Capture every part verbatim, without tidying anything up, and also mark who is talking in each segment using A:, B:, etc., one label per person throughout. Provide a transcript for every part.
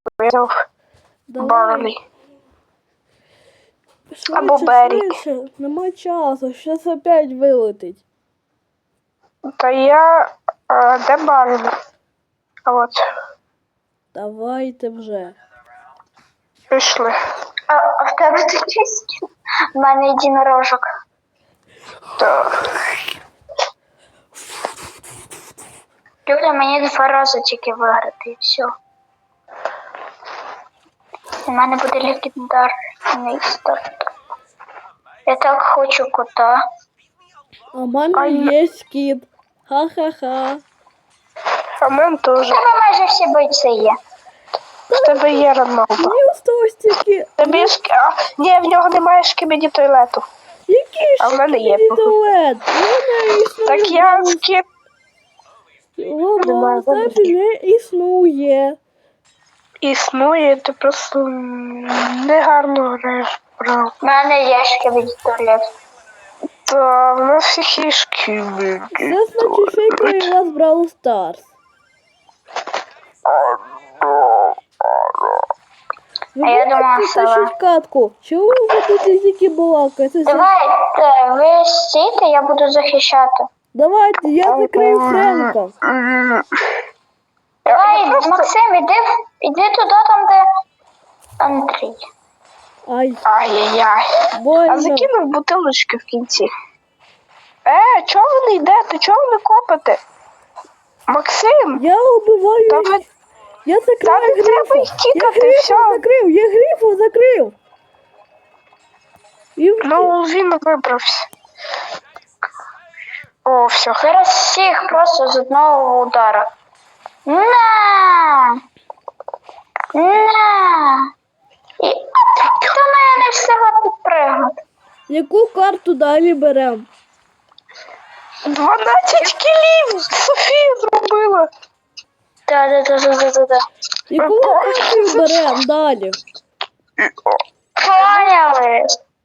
A: Я взяв Барлі. Або
B: Швидше,
A: Берік.
B: швидше, нема часу, щас опять вилетить.
A: Та я... А, де Барлі? А от.
B: Давайте вже.
A: Пішли.
C: А, а в тебе тут є? У мене єдинорожок.
A: Так.
C: Люля, мені два рази тільки виграти і все. У мене буде легендарний старт. Я так хочу кота.
B: А в мене
A: Ай.
B: є кіт. Ха-ха-ха.
A: А в мене теж.
C: У тебе майже всі бойці є.
A: В тебе є Роналдо.
B: Мені осталось тільки...
A: Тобі шк... а, ні, в нього немає шкібіді туалету.
B: Який
A: А в мене є.
B: туалет? У мене існує...
A: Так я скіп.
B: Його
A: Немає
B: значить не існує.
A: Існує, ти просто м, негарно граєш, правда.
C: У мене є шкібіді туалет.
A: Та в нас всіх є шкібіді.
B: Це значить фейковий вас Brawl Stars. Ви
C: А я
B: будете
C: думала, що-
B: тащить катку? Чого ви будете тільки балакати?
C: Давай, е, ви стійте, я буду захищати.
B: Давайте, я закрию Френка.
A: М,
C: Давай,
A: просто-
C: Максим, іди, іди туди, там, де Андрій.
B: Ай,
A: Ай-яй-яй. А
B: больно.
A: закинув бутилочки в кінці. Е, чого ви не йдете? Чого ви не копите? Максим,
B: Я убиваю.
A: та ви...
B: Я
A: Та
B: закрив
A: не треба
B: грифу.
A: їх
B: Я
A: тікати,
B: грифу
A: все.
B: закрив, я грифу закрив. І...
A: Ну, він вибрався. О, все.
C: Зараз всіх просто з одного удара. На! На! І до мене не встигла підпригнути.
B: Яку карту далі берем?
A: дванадцять кілів Софія зробила.
C: Да-да-да-да-да-да.
B: Яку локацію берем далі?
C: Поняли?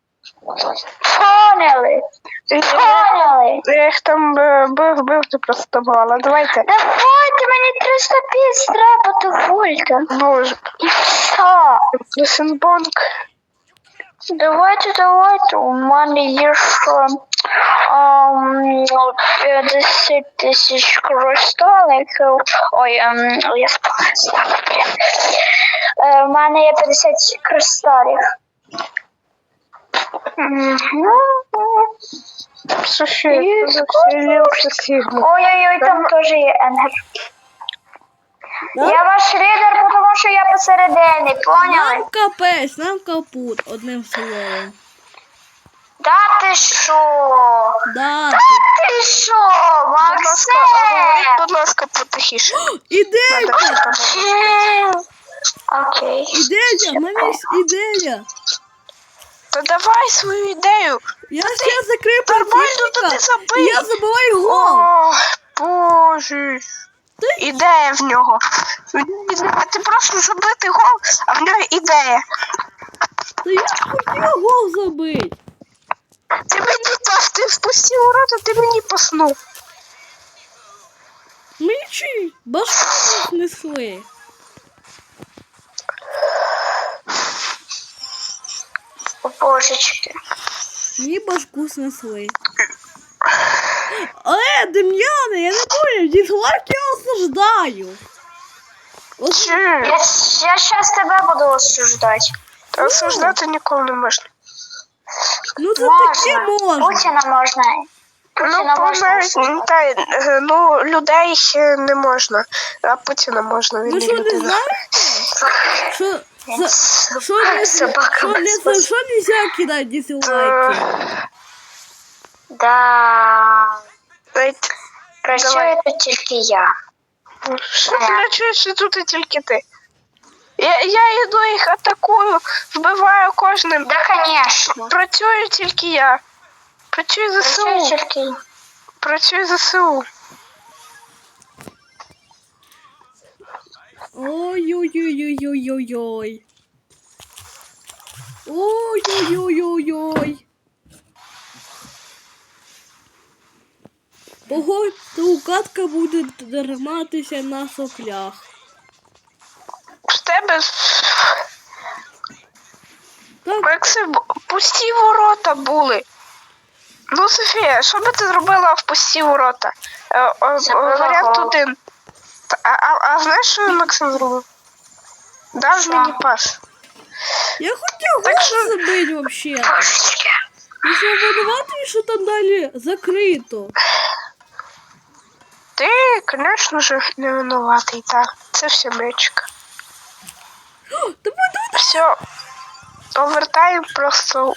C: Поняли? Поняли?
A: Я їх там е, бив, бив, ти просто мала. Давайте.
C: Давайте, мені триста п'ять треба, дозвольте.
A: Боже.
C: І все.
A: Плюсенбонк.
C: Давайте, давайте. У мене є ще ем, п'ятдесят тисяч кристаликів. Ой, ем, я спала. Е, У мене є п'ятдесят кристалів. Мгм.
A: Софія, це все Сігма.
C: Ой-ой-ой, там теж є енгер.
B: Да?
C: Я ваш лідер, тому що я посередині, поняли?
B: Нам капець, нам капут, одним словом.
C: Да ти що?
B: Да.
C: Ти що,
A: Будь ласка, говоріть,
C: Максим?
A: будь ласка, потихіше.
B: Ідея!
C: Окей.
B: Ідея! В мене є ідея!
A: Та давай свою ідею.
B: Я ще закрив
A: Нормально, то ти
B: противника, і
A: забий.
B: я забиваю гол!
A: О, боже. Ідея в нього. А ти просто забити гол, а в нього ідея.
B: Та я ж хотів гол забити!
A: Ти мені дав, ти впустив ворота, ти мені паснув.
B: Ми чи башку знесли.
C: О, божечки.
B: Мені башку снесли. Але, Дем'яне, я не понял, дізлайк я осуждаю. Ос-
A: Чи?
C: Я, я щас тебе буду осуждати.
A: Та осуждати ніколи не можна.
B: Ну це таке
C: Можна.
B: можна.
C: Путіна можна.
A: Ну,
C: Путіна можна
A: помер...
C: осуждати.
A: та, е, ну, людей е, не можна, а Путіна можна, він
B: Ви
A: не
B: що не
A: людина.
B: знаєте? Що,
C: Він
B: за- що, не,
C: собака
B: що, не,
C: без
B: за що нельзя кидати дизлайки?
C: Да.
A: Навіть
C: Працює
A: Давай.
C: тут тільки я.
A: Що ти не чуєш, що тут і тільки ти? Я, я йду їх атакую, вбиваю кожним.
C: Да, конечно.
A: Працюю тільки я. Працюю
C: Працює
A: ЗСУ.
C: тільки я.
A: Працюю ЗСУ.
B: Ой-ой-ой-ой-ой-ой-ой. Ой-ой-ой-ой-ой. Погодьте, катка буде триматися на соплях.
A: В тебе
B: Так,
A: Максим, пусті ворота були. Ну, Софія, що би ти зробила в пусті ворота? Е, е,
C: Забила
A: Варіант
C: гол.
A: один. Та- А, а, а знаєш, що Максим зробив? Дав
C: Що?
A: мені пас.
B: я хотів
A: Так
B: гол
A: що-
B: забити вообще.
C: Трошечки.
B: І що винуватий, що там далі закрито.
A: Ти, звісно ж, не винуватий, так. Це все мечка.
B: Давай, давай,
A: Все. Овертайм просто.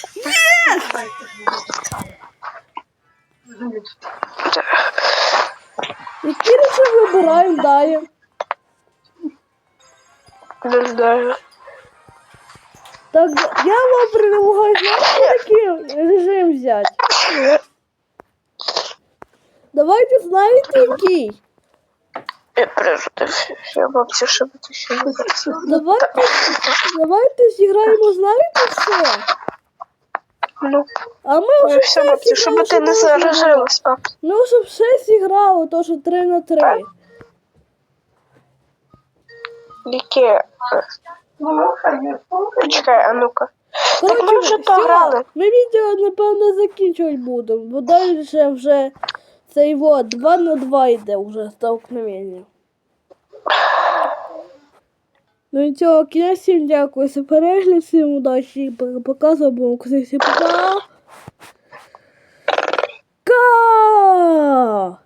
B: які речі вибираємо далі?
A: Не знаю.
B: Так, я вам предлагаю, знаєте, який режим взяти? Давайте знаєте, який?
A: Я пережити. Я бабцю, щоб ти ще не
B: Давайте, давайте зіграємо, знаєте, все.
A: Ну,
B: А ми
A: ну
B: вже
A: все,
B: все
A: бабцю, щоб
B: зіграли,
A: ти не
B: що можна було.
A: заражилась, пап.
B: Ми вже все зіграли, то що три на три.
A: Яке? Почекай, а ну-ка. Так ми вже то
B: всьо,
A: грали.
B: Ми відео, напевно, закінчувати будемо, бо далі вже цей вот два на два йде вже столкновення. Ну і цього, кінець, всім дякую за перегляд, всім удачі, показуємо, всім пока. Ка!